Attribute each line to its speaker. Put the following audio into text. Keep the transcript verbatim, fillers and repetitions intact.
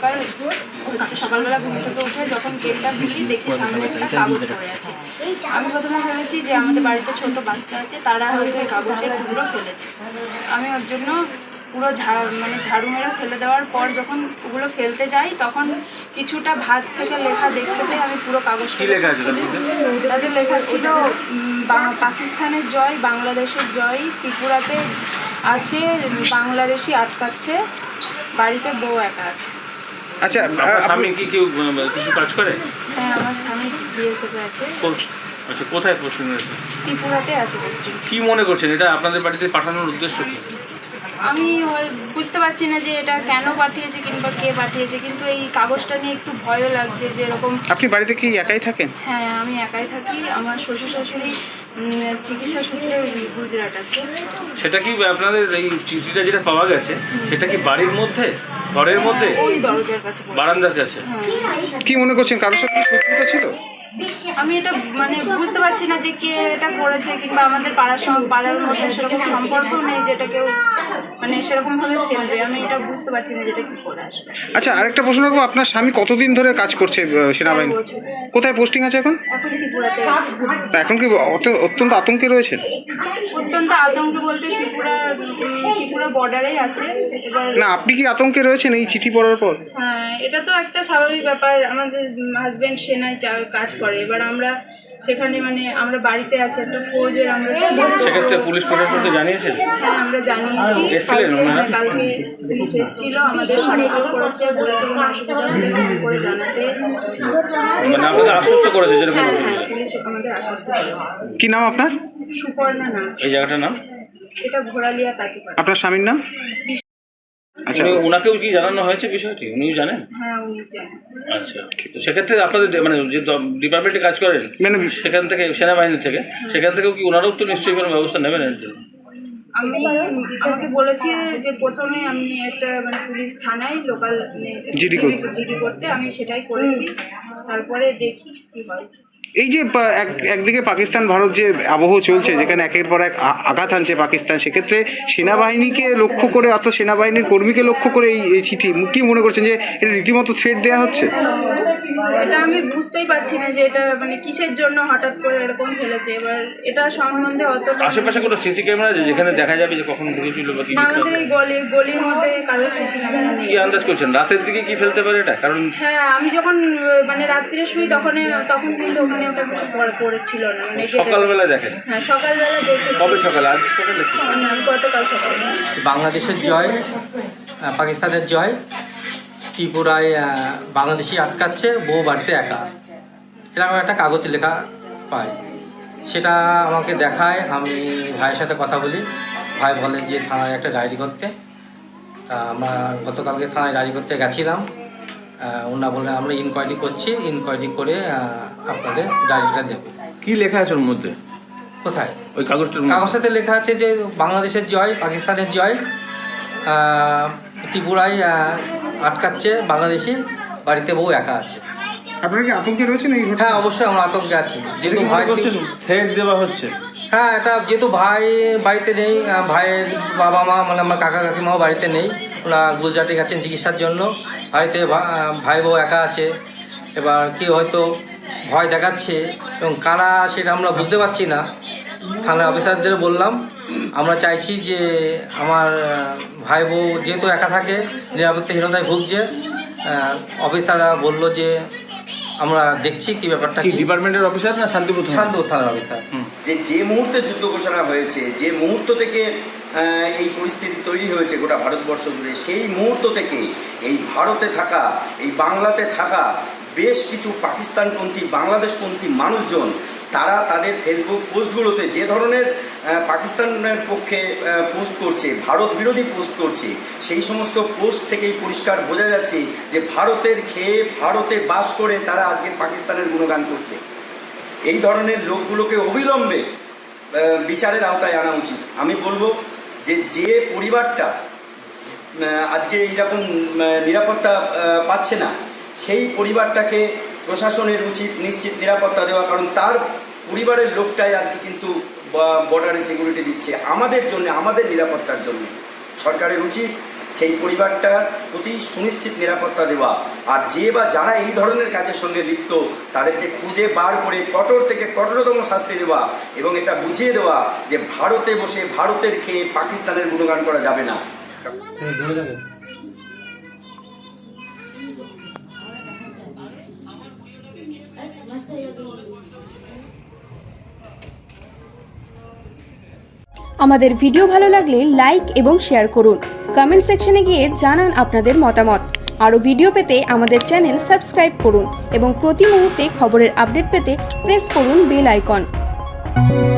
Speaker 1: সকাল হচ্ছে সকালবেলা ঘুম থেকে উঠে যখন গেটটা খুলি দেখি সামনে একটা কাগজ পড়ে আছে। আমি প্রথমে ভেবেছি যে আমাদের বাড়িতে ছোট বাচ্চা আছে, তারা হয়তো এই কাগজের টুকরো ফেলেছে। আমি ওর জন্য পুরো ঝাড় মানে ঝাড়ু মেরে ফেলে দেওয়ার পর যখন ওগুলো ফেলতে যাই তখন কিছুটা ভাঁজ থেকে লেখা দেখতে পেয়ে আমি পুরো কাগজটা তাদের লেখা ছিল পাকিস্তানের জয়, বাংলাদেশের জয়, ত্রিপুরাতে আছে বাংলাদেশি আটকাচ্ছে, বাড়িতে বউ একা আছে।
Speaker 2: আচ্ছা,
Speaker 3: স্বামী কি কেউ কিছু কাজ করে?
Speaker 1: হ্যাঁ, আমার স্বামী বিএসএফে আছে।
Speaker 3: আচ্ছা, কোথায় পোস্টিং আছে?
Speaker 1: ত্রিপুরাতে আছে পোস্টিং।
Speaker 3: কি মনে করছেন এটা আপনাদের বাড়িতে পাঠানোর উদ্দেশ্য কি?
Speaker 1: আমি বুঝতে পারছি না যে এটা কেন পাঠিয়েছে কিংবা কে পাঠিয়েছে, কিন্তু এই কাগজটা নিয়ে একটু ভয়ও লাগছে যে এরকম।
Speaker 2: আপনি বাড়িতে কি একাই থাকেন?
Speaker 1: হ্যাঁ, আমি একাই থাকি। আমার শ্বশুর শাশুড়ি চিকিৎসা সূত্রে গুজরাট আছে।
Speaker 3: সেটা কি আপনাদের এই চিঠিটা যেটা পাওয়া গেছে সেটা কি বাড়ির মধ্যে, ঘরের মধ্যে,
Speaker 1: ওই দরজার কাছে,
Speaker 3: বারান্দার কাছে?
Speaker 2: কি মনে করছেন, কারোর সাথে শত্রুতা ছিল?
Speaker 1: আমি এটা মানে বুঝতে পারছি না যে কে এটা করেছে, কিংবা আমাদের পাড়ার সঙ্গে পাড়ার মধ্যে সেরকম সম্পর্ক নেই যেটা কেউ মানে সেরকমভাবে ফেলবে। আমি এটা বুঝতে পারছি না যেটা কি করে আসবে।
Speaker 2: আচ্ছা, আরেকটা প্রশ্ন রাখবো, আপনার স্বামী কতদিন ধরে কাজ করছে সেনাবাহিনী? কোথায় পোস্টিং আছে এখন?
Speaker 1: এখন ত্রিপুরাতে আছে।
Speaker 2: এখন কি অত্যন্ত আতঙ্কে রয়েছেন?
Speaker 1: অত্যন্ত আতঙ্কে বলতে ত্রিপুরা ত্রিপুরা বর্ডারেই আছে। এবার
Speaker 2: না, আপনি কি আতঙ্কে রয়েছেন এই চিঠি পড়ার পর?
Speaker 1: হ্যাঁ, এটা তো একটা স্বাভাবিক ব্যাপার। আমাদের হাজব্যান্ড সেনায় কাজ করে, এবার আমরা সেখানে মানে আমরা বাড়িতে আছি একটা ফৌজের। আমরা
Speaker 3: সেক্ষেত্রে পুলিশ প্রশাসনকে জানিয়েছেন?
Speaker 1: হ্যাঁ, আমরা জানিয়েছি। কালকে পুলিশ এসেছিল, আমাদের সাহায্য করেছে, বলেছে কোনো অসুবিধা হলে ফোন করে জানাতে।
Speaker 3: মানে আপনাদের আশ্বস্ত করেছে যেরকম?
Speaker 1: হ্যাঁ হ্যাঁ, পুলিশ আমাদের আশ্বস্ত করেছে।
Speaker 2: কি নাম আপনার?
Speaker 1: সুপর্ণা নাম।
Speaker 3: এই জায়গাটার নাম?
Speaker 1: এটা ঘোড়ালিয়া তাঁতিপাড়া।
Speaker 2: আপনার স্বামীর নাম? আচ্ছা,
Speaker 3: ওনাকেও কি জানানো হয়েছে বিষয়টি? উনিও জানেন?
Speaker 1: হ্যাঁ, উনি জানেন।
Speaker 3: আচ্ছা, তো সেক্ষেত্রে আপনাদের মানে যে ডিপার্টমেন্টে কাজ করেন
Speaker 2: মানে
Speaker 3: সেখান থেকে, সেনাবাহিনী থেকে, সেখান থেকেও কি ওনারাও তো নিশ্চয়ই কোনো ব্যবস্থা নেবেন এর জন্য?
Speaker 1: আমি আমাকে বলেছি যে প্রথমে আমি একটা মানে পুলিশ থানায় লোকাল
Speaker 2: জিডি
Speaker 1: জিডি করতে, আমি সেটাই করেছি। তারপরে দেখি কি হয়।
Speaker 2: এই যে একদিকে পাকিস্তান ভারত যে আবহ চলছে, যেখানে একের পর এক আঘাত আনছে পাকিস্তান, সেক্ষেত্রে সেনাবাহিনীকে লক্ষ্য করে অর্থাৎ সেনাবাহিনীর কর্মীকে লক্ষ্য করে এই চিঠি, কি মনে করছেন যে এটা রীতিমতো থ্রেট দেওয়া হচ্ছে?
Speaker 1: এটা আমি বুঝতেই পারছি না যে এটা মানে কিসের জন্য হঠাৎ করে এরকম ফেলেছে। এবার এটা সম্বন্ধে অত
Speaker 3: আশেপাশে কোনো সিসি ক্যামেরা আছে যেখানে দেখা যাবে যে কখন ঢুকেছিল বা কি?
Speaker 1: আমাদের এই গলি গলির মধ্যে কারো সিসি ক্যামেরা নেই।
Speaker 3: কি আন্দাজ করছেন রাতের দিকে কি ফেলতে পারে এটা? কারণ
Speaker 1: হ্যাঁ, আমি যখন মানে রাত্রিরে শুই তখন তখন কিন্তু ওখানে ওটা কিছু পড়েছিল না। মানে
Speaker 3: সকালবেলা দেখেন?
Speaker 1: হ্যাঁ, সকালবেলা দেখেছি।
Speaker 3: কবে সকালে? আজ সকালে?
Speaker 1: গতকাল সকালে।
Speaker 4: বাংলাদেশের জয়, পাকিস্তানের জয়, ত্রিপুরায় বাংলাদেশি আটকাচ্ছে, বউ বাড়িতে একা, এরকম একটা কাগজ লেখা পাই। সেটা আমাকে দেখায়, আমি ভাইয়ের সাথে কথা বলি। ভাই বলেন যে থানায় একটা ডায়েরি করতে। তা আমরা গতকালকে থানায় ডায়েরি করতে গেছিলাম। ওনা বলে আমরা ইনকোয়ারি করছি, ইনকোয়ারি করে আপনাদের ডায়েরিটা দেবো।
Speaker 3: কি লেখা আছে ওর মধ্যে?
Speaker 4: কোথায়?
Speaker 3: ওই কাগজটার
Speaker 4: কাগজটাতে লেখা আছে যে বাংলাদেশের জয়, পাকিস্তানের জয়, ত্রিপুরায় আটকাচ্ছে বাংলাদেশি, বাড়িতে বউ একা আছে।
Speaker 2: আপনারা কি আতঙ্কে রয়েছেন?
Speaker 4: হ্যাঁ, অবশ্যই আমরা আতঙ্কে আছি, যেহেতু ভাই
Speaker 3: থ্রেট দেওয়া হচ্ছে।
Speaker 4: হ্যাঁ, এটা যেহেতু ভাই বাড়িতে নেই, ভাইয়ের বাবা মা মানে আমার কাকা কাকিমাও বাড়িতে নেই, ওরা গুজরাটে গেছেন চিকিৎসার জন্য, বাড়িতে ভাই বউ একা আছে। এবার কেউ হয়তো ভয় দেখাচ্ছে এবং কারা সেটা আমরা বুঝতে পারছি না। থানার অফিসারদের বললাম আমরা চাইছি যে আমার ভাই বউ যেহেতু একা থাকে, নিরাপত্তাহীনতায় ভুগছে। অফিসাররা বললো যে আমরা দেখছি কি ব্যাপারটা।
Speaker 3: কি ডিপার্টমেন্টের অফিসার না শান্তিপুর
Speaker 4: শান্তিপুর থানার অফিসার?
Speaker 5: যে যে মুহূর্তে যুদ্ধ ঘোষণা হয়েছে, যে মুহূর্ত থেকে এই পরিস্থিতি তৈরি হয়েছে গোটা ভারতবর্ষ জুড়ে, সেই মুহূর্ত থেকে এই ভারতে থাকা, এই বাংলাতে থাকা বেশ কিছু পাকিস্তানপন্থী, বাংলাদেশপন্থী মানুষজন, তারা তাদের ফেসবুক পোস্টগুলোতে যে ধরনের পাকিস্তানের পক্ষে পোস্ট করছে, ভারত বিরোধী পোস্ট করছে, সেই সমস্ত পোস্ট থেকেই পরিষ্কার বোঝা যাচ্ছে যে ভারতের খেয়ে ভারতে বাস করে তারা আজকে পাকিস্তানের গুণগান করছে। এই ধরনের লোকগুলোকে অবিলম্বে বিচারের আওতায় আনা উচিত। আমি বলবো যে যে পরিবারটা আজকে এইরকম নিরাপত্তা পাচ্ছে না, সেই পরিবারটাকে প্রশাসনের উচিত নিশ্চিত নিরাপত্তা দেওয়া, কারণ তার পরিবারের লোকটাই আজকে কিন্তু বর্ডারে সিকিউরিটি দিচ্ছে আমাদের জন্য, আমাদের নিরাপত্তার জন্য। সরকারের উচিত সেই পরিবারটার প্রতি সুনিশ্চিত নিরাপত্তা দেওয়া, আর যে বা যারা এই ধরনের কাজের সঙ্গে লিপ্ত তাদেরকে খুঁজে বার করে কঠোর থেকে কঠোরতম শাস্তি দেওয়া এবং এটা বুঝিয়ে দেওয়া যে ভারতে বসে ভারতের খেয়ে পাকিস্তানের গুণগান করা যাবে না।
Speaker 6: আমাদের ভিডিও ভালো লাগলে লাইক এবং শেয়ার করুন। কমেন্ট সেকশনে গিয়ে জানান আপনাদের মতামত। আরও ভিডিও পেতে আমাদের চ্যানেল সাবস্ক্রাইব করুন এবং প্রতি মুহূর্তে খবরের আপডেট পেতে প্রেস করুন বেল আইকন।